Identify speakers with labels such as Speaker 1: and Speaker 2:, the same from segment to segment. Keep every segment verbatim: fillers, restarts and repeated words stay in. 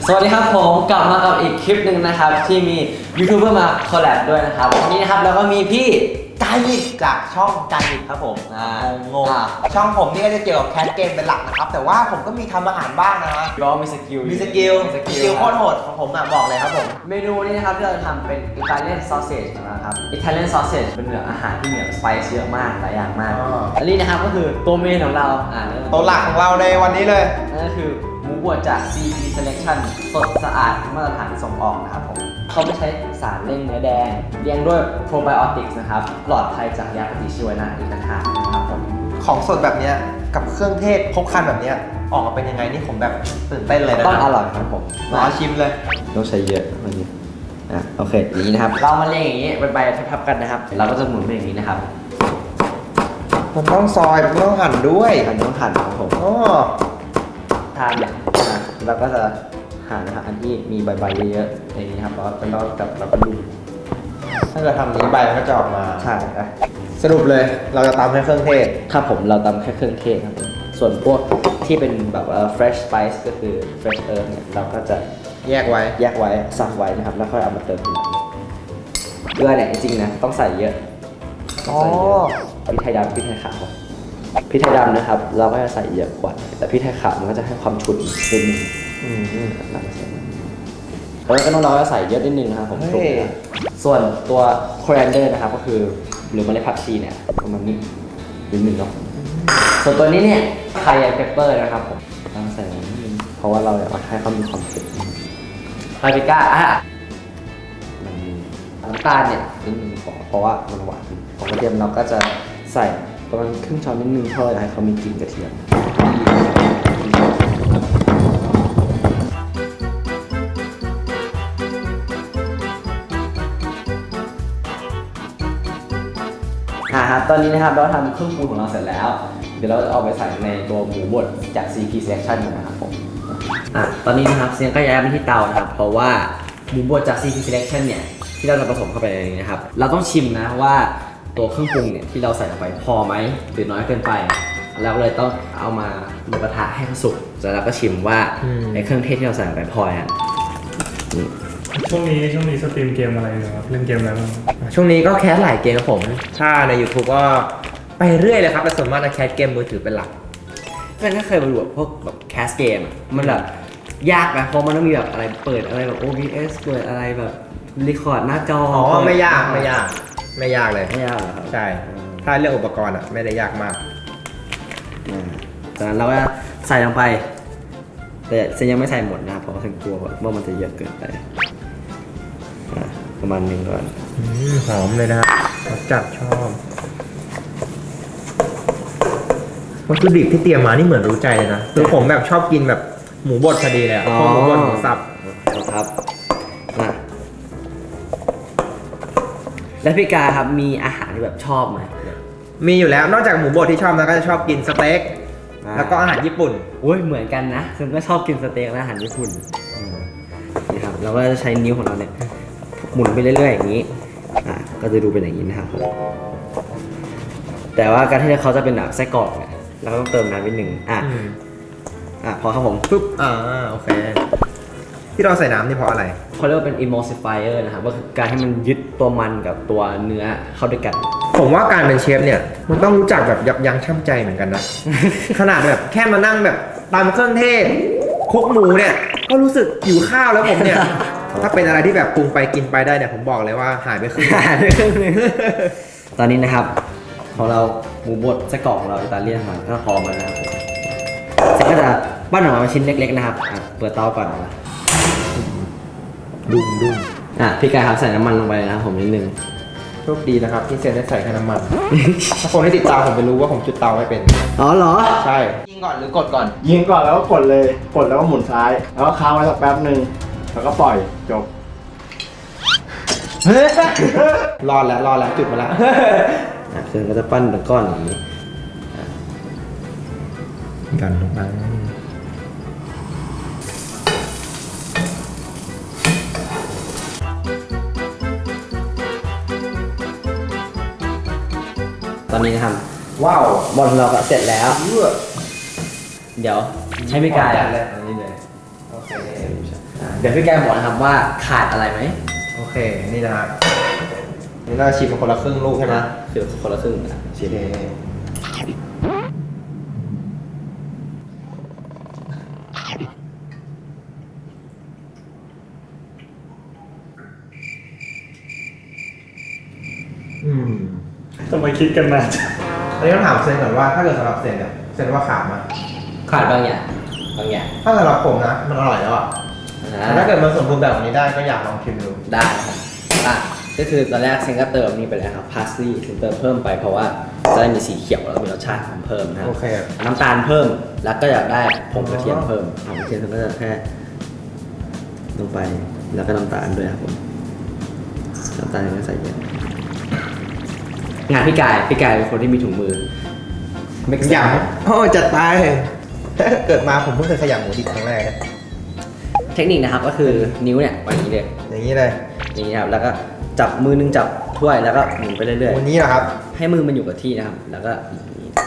Speaker 1: สวัสดีครับผมกลับมากับอีกคลิปหนึ่งนะครับที่มียูทูบเบอร์มาคอลแลบด้วยนะครับวันนี้นะครับแล้วก็มีพี่
Speaker 2: กายยิกจากช่องกายยิกครับผมงงช่องผมนี่ก็จะเกี่ยวกับแคสเกมเป็นหลักนะครับแต่ว่าผมก็มีทำอาหารบ้างนะฮะ
Speaker 1: ก็มีสกิล
Speaker 2: มีสกิลสกิลโคตรโหดของผมอ่ะบอกเลยครับผม
Speaker 1: เมนูนี้นะครับที่เราทำเป็นอิตาเลียนซอสเซจนะครับอิตาเลียนซอสเซจเป็นอาหารที่มีสไปซ์เยอะมากหลายอย่างมากอันนี้นะครับก็คือตัวเมนของเราอ่า
Speaker 2: ตัวหลักของเราในวันนี้เลย
Speaker 1: นั่นก็คือหมูบดจาก ซี พี Selection สดสะอาดมาตรฐานส่งออกนะครับผมเขาไม่ใช้สารเร่งเนื้อแดงเลี้ยงด้วยโปรไบโอติกส์นะครับปลอดภัยจากยาปฏิชีวนะอีกต่างหากนะครับผม
Speaker 2: ของสดแบบนี้กับเครื่องเทศครบครันแบบนี้ออกมาเป็นยังไงนี่ผมแบบตื่นเต้นเลยนะ
Speaker 1: ต้องอร่อยครับผม
Speaker 2: มาชิมเลย
Speaker 1: ต้องใช้เยอะวันนี้อ่ะโอเคอย่างนี้นะครับเรามาเรียงอย่างนี้เป็นใบทับๆกันนะครับเราก็จะหมุนไปอย่างนี้นะครับ
Speaker 2: มันต้องซอยมันต้องหั่นด้วย
Speaker 1: มันต้องหั่นครับผม
Speaker 2: อ๋อ
Speaker 1: ทานเนี่ยเราก็จะหั่นนะครับอันที่มีใบๆเยอะๆอย่างนี้ครับแล้วเป็นรอบกับเราก็ดู
Speaker 2: ถ้าเกิดทำนี้ใบมันก็จะออกมา
Speaker 1: ใช่
Speaker 2: สรุปเลยเราจะตำแค่เครื่องเทศ
Speaker 1: ครับผมเราตำแค่เครื่องเทศครับส่วนพวกที่เป็นแบบว่า fresh spice ก็คือ fresh herb เนี่ยเราก็จะ
Speaker 2: แยกไว้
Speaker 1: แยกไว้สับไว้นะครับแล้วค่อยเอามาเติมทีหลังเกลือเนี่ยจริงๆนะต้องใส่เยอะ
Speaker 2: อ๋อ
Speaker 1: พริกไทยดำพริกไทยขาวพริกไทยดำนะครับเราก็จะใส่เยอะกว่าแต่พริกไทยขาวมันก็จะให้ความฉุนนิดนึงเราก็ใส่แล้วก็น้องๆก็ใส่เยอะนิดนึงนะครับผมส่วนตัว coriander นะครับก็คือหรือเมล็ดผักชีเนี่ยประมาณนี้นิดนึงเนาะส่วนตัวนี้เนี่ยไคเปปเปอร์นะครับผมต้องใส่นิดนึงเพราะว่าเราอยากให้เขามีความเผ็ดพาปริก้าอ่ะน้ำตาลเนี่ยนิดนึงพอเพราะว่ามันหวานของกระเทียมเราก็จะใส่ประมาณครึ่งช้อนนิดนึงเพราะอยากให้เขามีกลิ่นกระเทียมอ่าครับตอนนี้นะครับเราทำเครื่องปรุงของเราเสร็จแล้วเดี๋ยวเราจะเอาไปใส่ในตัวหมูบดจาก ซี พี Selection นะครับผมอ่ะตอนนี้นะครับเซียงก็ย้ายมาที่เตานะครับเพราะว่าหมูบดจาก ซี พี Selection เนี่ยที่เราจะผสมเข้าไปในนี้นะครับเราต้องชิมนะว่าตัวเครื่องปรุงเนี่ยที่เราใส่ลงไปพอไหมหรือน้อยเกินไปแล้วเลยต้องเอามาบนกระทะให้มันสุกแล้วเราก็ชิมว่าไอ้เครื่องเทศที่เราใส่ลงไปพอยัง
Speaker 3: ช่วงนี้ช่วงนี้สตรีมเกมอะไรอยู่ครับเล่นเกมอะไรบ้าง
Speaker 2: ช่วงนี้ก็แคสหลายเกมครับผมถ้าใน YouTube ก็ไปเรื่อยเลยครับแต่ส่วนมากจะแคสเกมมือถือเป็นหลัก
Speaker 1: เพื่อนก็เคยมาดูพวกแบบแคสเกมมันแบบยากนะเพราะมันต้องมีแบบอะไรเปิดอะไรแบบ โอ บี เอส เปิดอะไรแบบรีคอร์ดหน้าจอ
Speaker 2: อ๋อไม่ยากไม่ยากไม่ยากเลย
Speaker 1: ไม่ยากเหรอครับ
Speaker 2: ใช่ถ้าเรื่องอุปกรณ์อ่ะไม่ได้ยากมาก
Speaker 1: จากนั้นเราก็ใส่ลงไปแต่เซนยังไม่ใส่หมดนะเพราะฉันกลัวว่ามันจะเยอะเกินไปประมาณนึงก่อน
Speaker 2: หอมเลยนะครับจัดชอบวัตถุดิบที่เตรียมมานี่เหมือนรู้ใจเลยนะคือผมแบบชอบกินแบบหมูบดพอดีเลยอ่ะพวกหมูบดหมูสับ
Speaker 1: ครับนะแล้วพี่กาครับมีอาหารที่แบบชอบไหม
Speaker 2: มีอยู่แล้วนอกจากหมูบดที่ชอบแล้วก็จะชอบกินสเต็กแล้วก็อาหารญี่ปุ่น
Speaker 1: โอ้ยเหมือนกันนะซึ่งก็ชอบกินสเต็กและอาหารญี่ปุ่นนี่ครับเราก็จะใช้นิ้วของเราเนี่ยหมุนไปเรื่อยๆอย่างนี้อ่ะก็จะดูเป็นอย่างนี้นะครับผมแต่ว่าการที่เขาจะเป็นแบบไส้กรอกเนี่ยเราก็ต้องเติมน้ำนิดนึงอ่ะอ่ะพอครับผม
Speaker 2: ปุ๊บอ่าโอเคที่เราใส่น้ำนี่เพราะอะไร
Speaker 1: เขาเรียกว่าเป็น emulsifier นะครับก็คือการให้มันยึดตัวมันกับตัวเนื้อเข้าด้วยกัน
Speaker 2: ผมว่าการเป็นเชฟเนี่ยมันต้องรู้จักแบบยับยั้งชั่งใจเหมือนกันนะ ขนาดแบบแค่มานั่งแบบตำเครื่องเทศคลุกหมูเนี่ยก็รู้สึกหิวข้าวแล้วผมเนี่ย ถ้าเป็นอะไรที่แบบปรุงไปกินไปได้เนี่ยผมบอกเลยว่าหายไปครึ่ง
Speaker 1: หายไปครึ่งนึงตอนนี้นะครับของเราหมูบดไส้กรอกของเราอิตาเลียนมันก็พอมาแล้วเสร็จก็จะปั้นออกมาเป็นชิ้นเล็กๆนะครับเปิดเตาก่อนนะ
Speaker 2: ดุ้งดุ้ง
Speaker 1: อ่ะพี่กายครับใส่น้ำมันลงไปนะครับผมนิดนึง
Speaker 2: โชคดีนะครับที่เซนได้ใส่แค่น้ำมันถ้าคนที่ติดตามผมไปรู้ว่าผมจุดเตาไม่เป็น
Speaker 1: อ๋อเหรอ
Speaker 2: ใช่ยิงก่อนหรือกดก่อน
Speaker 3: ยิงก่อนแล้วก็กดเลยกดแล้วก็หมุนซ้ายแล้วก็ค้างไว้สักแป๊บนึงแล้วก็ปล่อยจบ
Speaker 2: รอดแล้วรอดแล้วจุดมาแล้ว
Speaker 1: อ่ะเซนก็จะปั้นเป็นก้อนอย่างนี้
Speaker 2: กันลงไป
Speaker 1: ตอนนี้นะครับ
Speaker 2: ว้าว
Speaker 1: บอลเราก็เสร็จแล้วเดี๋ยวให้พี่กาย
Speaker 2: เลยอันนี้เลยโอเค
Speaker 1: ดี๋ยวพี่กายบอกนะครับว่าขาดอะไรไหม
Speaker 2: โอเค นี่นะฮะนี่เราชิมมาคนละครึ่งลูกใช่ไหม
Speaker 1: คือคนละครึ่งนะชิม
Speaker 2: โอเคอืม
Speaker 3: ทำไมคิดกันนาน
Speaker 2: อันนี้ต้องถามเซนก่อนว่าถ้าเกิดสำหรับเซนเนี่ยเซนว่าขาดไหม
Speaker 1: ขาดบางอย่างบางอย่าง
Speaker 2: ถ้าสำหรับผมนะมันอร่อยแล้วอ่ะ
Speaker 1: อ่
Speaker 2: แต่ถ้าเกิดมันสมบูรณ์แบบนี้ได้ก็อยากลองชิมดู
Speaker 1: ได้ครับอ่ะก็คือตอนแรกเซนก็เติมนี่ไปแล้วครับพาสลีย์เซนเติมเพิ่มไปเพราะว่าจะได้มีสีเขียวแล้วมีรสชาติของเพิ่มนะครับ
Speaker 2: โอเค
Speaker 1: น้ำตาลเพิ่มแล้วก็อยากได้ผงกระเทียมเพิ่มผงกระเทียมก็จะแค่ลงไปแล้วก็น้ำตาลด้วยครับผมน้ำตาลก็ใส่เยอะงานพี่กายพี่กายเป็นคนที่มีถุงมือไม่
Speaker 2: ขยำโอ้จัดไปเกิดมาผมเพิ่งเคยขยำหมูดิบครั้งแรกนะ
Speaker 1: เทคนิคนะครับก็คือนิ้วเนี่ยไว้อย่างนี้เลย
Speaker 2: อย่างนี้เลย
Speaker 1: อย่างนี้ครับแล้วก็จับมือนึงจับถ้วยแล้วก็หมุนไปเรื่อย
Speaker 2: วันนี้เหรอครับ
Speaker 1: ๆให้มือมันอยู่กับที่นะครับแล้วก็อย่างนี้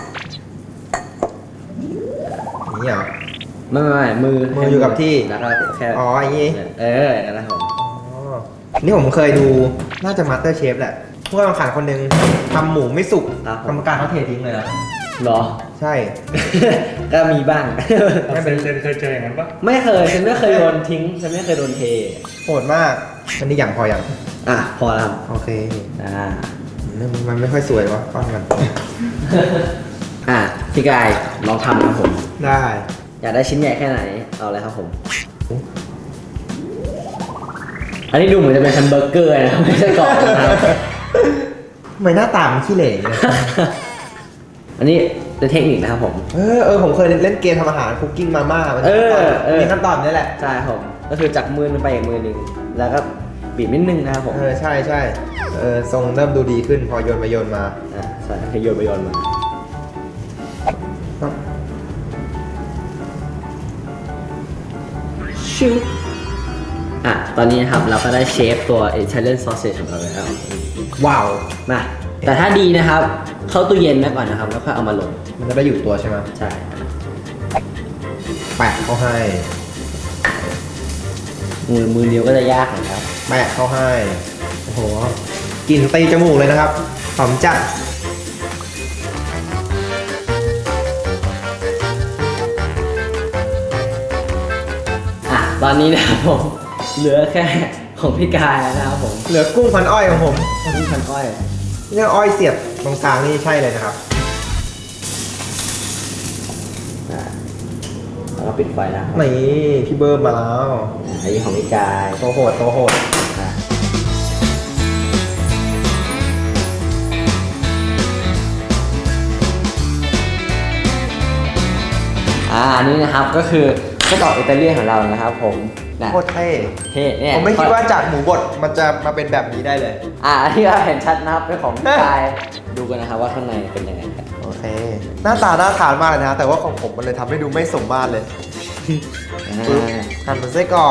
Speaker 2: อย่างนี้เหรอ
Speaker 1: ไม่ไม่ไม่มือ
Speaker 2: มืออยู่กับที่
Speaker 1: แล้วก็แค่
Speaker 2: อ๋ออย่างนี้
Speaker 1: เอออย่างนั้นนะครับผม
Speaker 2: อ๋อนี่ผมเคยดูน่าจะมาสเตอร์เชฟแหละผู้กำลังขันคนหนึ่งทำหมูไม่สุกกรรมการเขาเททิ้งเลยนะ
Speaker 1: เหรอ
Speaker 2: ใช่
Speaker 1: ก็มีบ้าง
Speaker 3: ไม่เป็นเคยเจออย่างนั้นปะ
Speaker 1: ไม่เคยฉันไม่เคยโดนทิ้งฉันไม่เคยโดนเท
Speaker 2: โหดมากอันนี้อย่างพออย่าง
Speaker 1: อ่ะพอแล้วครับ
Speaker 2: โอเค
Speaker 1: อ่า
Speaker 2: มันไม่ค่อยสวยวะก้อนกัน
Speaker 1: อ่ะพี่กายลองทำครับผม
Speaker 2: ได้
Speaker 1: อยากได้ชิ้นใหญ่แค่ไหนเอาเลยครับผม อันนี้ดูเหมือนจะเป็นแฮมเบอร์เกอร์นะครับไม่ใช่กรอบนะครับ
Speaker 2: ทำไมหน้าตามันขี้เหร่เนี่ย
Speaker 1: อันนี้เป็นเทคนิคนะครับผม
Speaker 2: เออเออผมเคยเล่นเกมทำอาหารคุกกิ้งมาม่ามัน
Speaker 1: เออเออ
Speaker 2: มีขั้นตอนนี้แหละ
Speaker 1: ใช่ครับผมก็คือจากมือนึงไปอีกมือหนึงแล้วก็บีบนิดนึงนะครับผม
Speaker 2: เออใช่ใช่เออทรงเริ่มดูดีขึ้นพอโยนไปโยนมา
Speaker 1: อ่ะใช่ให้โยนไปโยนมาชิวอ่ะตอนนี้นะครับเราก็ได้เชฟตัว Italian sausage ของเราแล้ว
Speaker 2: ว้าว
Speaker 1: มาแต่ถ้าดีนะครับ เข้าตู้เย็นไว้ก่อนนะครับ แล้วค่อยเอามาลง
Speaker 2: มันจะได้อยู่ตัวใช่ไหม
Speaker 1: ใช่
Speaker 2: แปะเข้าให้
Speaker 1: มือมือเดียวก็จะยากหน่อยครับ
Speaker 2: แปะเข้าให้โอ้โหกลิ่นตีจมูกเลยนะครับหอมจัด
Speaker 1: อ่ะตอนนี้นะครับผมเหลือแค่ของพี่กายแล้วนะครับผม
Speaker 2: เหลือกุ้งพันอ้อยของผม
Speaker 1: อันนี้พันอ้อย
Speaker 2: นี่อ้อยเสียบตรงกลางนี่ใช่เลยนะครับ
Speaker 1: อ่ะแล้วก็ปิดไฟนะครับ
Speaker 2: นี่พี่เบิร์มมาแล้ว
Speaker 1: อ่ะอันนี้ของพี่กาย
Speaker 2: โตโหดโตโหด
Speaker 1: อ่ะอ่าอันนี้นะครับก็คือไส้กรอกอิตาเลียนของเรานะครับผมนะ
Speaker 2: โคตรเท่
Speaker 1: เท่เนี่ย
Speaker 2: ผมไม่คิดว่าจากหมูบดมันจะมาเป็นแบบนี้ได้เลย
Speaker 1: อ่าอันที่เราเห็นชัดนะครับเป็นของพี่กายดูกันนะครับว่าข้างในเป็นยังไงกัน
Speaker 2: โอเค หน้าตาน่าทานมากเลยนะแต่ว่าของผมมันเลยทำให้ดูไม่สมมาตรเลย ปึ๊บ
Speaker 1: อ่า
Speaker 2: หั่นเป็นไส้กรอก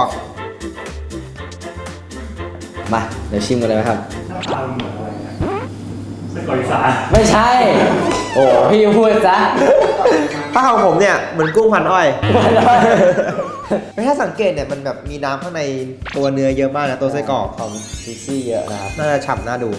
Speaker 1: มาเดี๋ยวชิมกันเลยไหมครับ
Speaker 3: หน้าตาเหมือนอะไรนะไส้กรอกอีสาน
Speaker 1: ไม่ใช่ โอ้พี่พูดซะ
Speaker 2: ถ้าของผมเนี่ยเหมือนกุ้งพันอ้อย ไม่ถ้าสังเกตเนี่ยมันแบบมีน้ำข้างในตัวเนื้อเยอะมากนะตัวไส้กรอก
Speaker 1: ของซิซี่เยอะนะครับ
Speaker 2: น่าจะฉ่ำน่าดู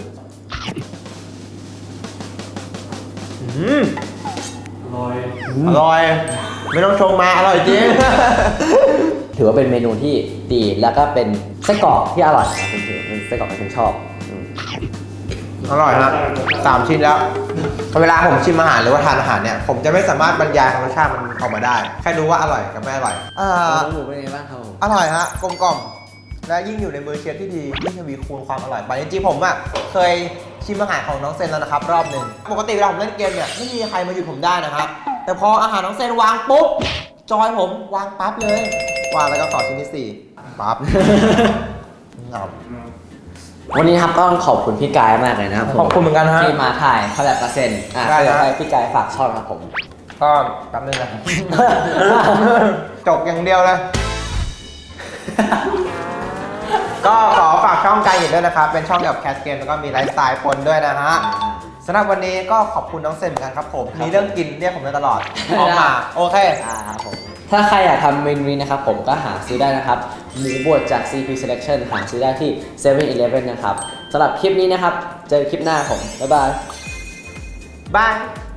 Speaker 2: อืม
Speaker 3: ลอย
Speaker 2: อร่อย ไม่ต้องชงมาอร่อยจริง
Speaker 1: ถือว่าเป็นเมนูที่ดีแล้วก็เป็นไส้กรอกที่อร่อยนะผมถือเป็นไส้กรอกที่ผมชอบอืม
Speaker 2: อร่อยฮะสามชิ้นแล้ว เวลาผมชิมอาหารหรือว่าทานอาหารเนี่ย ผมจะไม่สามารถบรรยายรสชาติมันออกมาได้ แค่รู้ว่าอร่อยกับไม่อร่อยอ่า
Speaker 1: น้องหมูเป็นไงบ้างครับผม
Speaker 2: อร่อยฮะกลมกล่อมและยิ่งอยู่ในมือเชฟที่ดียิ่งทวีคูณความอร่อยไปจริงๆผมอ่ะเคยชิมอาหารของน้องเซนแล้วนะครับรอบหนึ่งปกติเวลาผมเล่นเกมเนี่ยไม่มีใครมาหยุดผมได้นะครับแต่พออาหารน้องเซนวางปุ๊บจอยผมวางปั๊บเลยวางแล้วก็ขอชิ้นที่สี่ปั๊บ เงา
Speaker 1: วันนี้ครับต้องขอบคุณพี่กายมากเลยนะครับผม
Speaker 2: ขอบคุณเหมือนกันฮะ
Speaker 1: ที่มาถ่ายคอลแลบกับเซนอ่ะ
Speaker 2: ได้
Speaker 1: เดี๋ยว
Speaker 2: ฮะ
Speaker 1: ให้พี่กายฝากช่องครับผม
Speaker 2: ก็แป๊บนึงนะ จบอย่างเดียวเลย ก็ขอฝากช่องกายหยินด้วยนะครับ เป็นช่องเกี่ยวกับแคสเกมแล้วก็มีไลฟ์สไตล์ปนด้วยนะฮะสำหรับวันนี้ก็ขอบคุณน้องเซนเหมือนกันครับผม มีเรื่องกินเรียกผมได้ตลอดออกมา โอเค
Speaker 1: อ่าครับผมถ้าใครอยากทำเมนูนี้นะครับผมก็หาซื้อได้นะครับ หมูบดจาก ซี พี Selection หาซื้อได้ที่ เซเว่นอีเลฟเว่น นะครับสำหรับคลิปนี้นะครับ เจอคลิปหน้าผม บ๊ายบาย
Speaker 2: บาย